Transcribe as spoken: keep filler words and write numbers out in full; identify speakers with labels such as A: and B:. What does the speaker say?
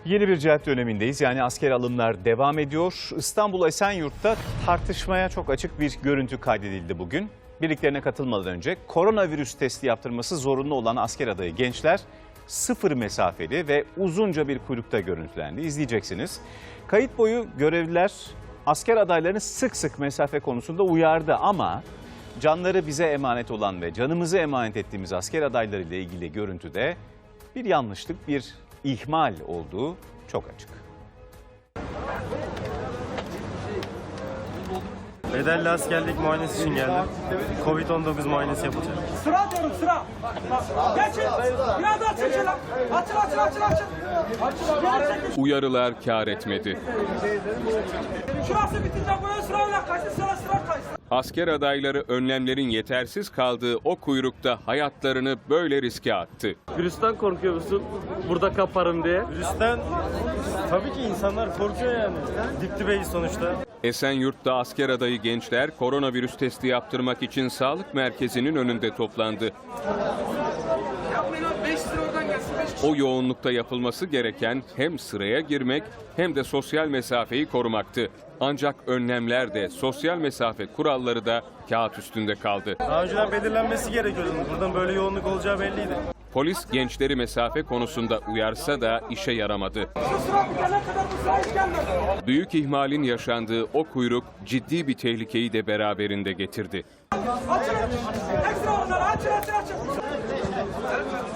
A: Yeni bir cihat dönemindeyiz. Yani asker alımlar devam ediyor. İstanbul Esenyurt'ta tartışmaya çok açık bir görüntü kaydedildi bugün. Birliklerine katılmadan önce koronavirüs testi yaptırması zorunlu olan asker adayı gençler sıfır mesafeli ve uzunca bir kuyrukta görüntülendi. İzleyeceksiniz. Kayıt boyu görevliler asker adaylarını sık sık mesafe konusunda uyardı ama canları bize emanet olan ve canımızı emanet ettiğimiz asker adayları ile ilgili görüntüde bir yanlışlık, bir ihmal olduğu çok açık.
B: Bedelli askerlik muayenesi için geldim. Covid on dokuz muayenesi yapılacak.
C: Sıra diyorum sıra. Geçin. Biraz daha çekil lan. Açıl açıl açıl açıl. Açıl.
D: Uyarılar kâr etmedi.
C: Şurası bitince böyle sıra öyle kaçtı sıra sıra kaçtı.
D: Asker adayları önlemlerin yetersiz kaldığı o kuyrukta hayatlarını böyle riske attı.
E: Virüsten korkuyor musun? Burada kaparım diye.
B: Virüsten tabii ki insanlar korkuyor yani. Dip dibeyiz sonuçta.
D: Esenyurt'ta asker adayı gençler koronavirüs testi yaptırmak için sağlık merkezinin önünde toplandı. O yoğunlukta yapılması gereken hem sıraya girmek hem de sosyal mesafeyi korumaktı. Ancak önlemler de sosyal mesafe kuralları da kağıt üstünde kaldı.
B: Daha önceden belirlenmesi gerekiyordu. Buradan böyle yoğunluk olacağı belliydi.
D: Polis gençleri mesafe konusunda uyarsa da işe yaramadı.
C: Şu sıra bitene kadar bu sıra hiç gelmedi.
D: Büyük ihmalin yaşandığı o kuyruk ciddi bir tehlikeyi de beraberinde getirdi.
C: Açıl. Ekstra onları açıl açıl açıl.